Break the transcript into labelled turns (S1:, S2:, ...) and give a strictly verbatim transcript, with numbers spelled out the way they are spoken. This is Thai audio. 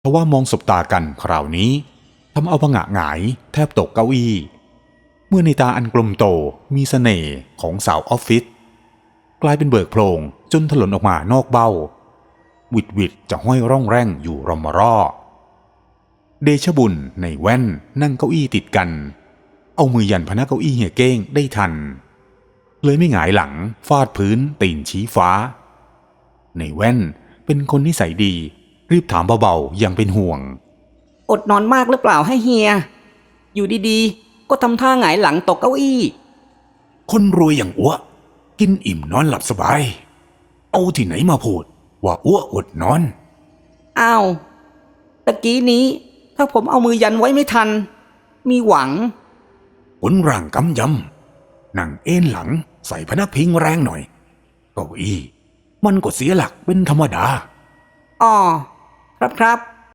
S1: ทว่ามองสบตากันคราวนี้ทำเอาผงะหงายแทบตกเก้าอี้เมื่อในตาอันกลมโตมีเสน่ห์ของสาวออฟฟิศกลายเป็นเบิกโพลงจนถลนออกมานอกเบ้าวิดวิดจะห้อยร่องแร่งอยู่รอมร่อเดชบุญในแว่นนั่งเก้าอี้ติดกันเอามือยันพนักเก้าอี้เฮียเก้งได้ทันเลยไม่หงายหลังฟาดพื้นตีนชี้ฟ้าในแว่นเป็นคนนิสัยดีรีบถามเบาๆยังเป็นห่วง
S2: อดนอนมากหรือเปล่าให้เฮียอยู่ดีๆก็ทำท่าหงายหลังตกเก้าอี้
S1: คนรวยอย่างอ้วกินอิ่มนอนหลับสบายเอาที่ไหนมาพูดว่าอ้วอดนอน
S2: อ้าวตะกี้นี้ถ้าผมเอามือยันไว้ไม่ทันมีหวัง
S1: ผลร่างกำยำนั่งเอ็นหลังใส่พนักพิงแรงหน่อยเก้าอี้มันก็เสียหลักเป็นธรรมดา
S2: อ๋อครับครับ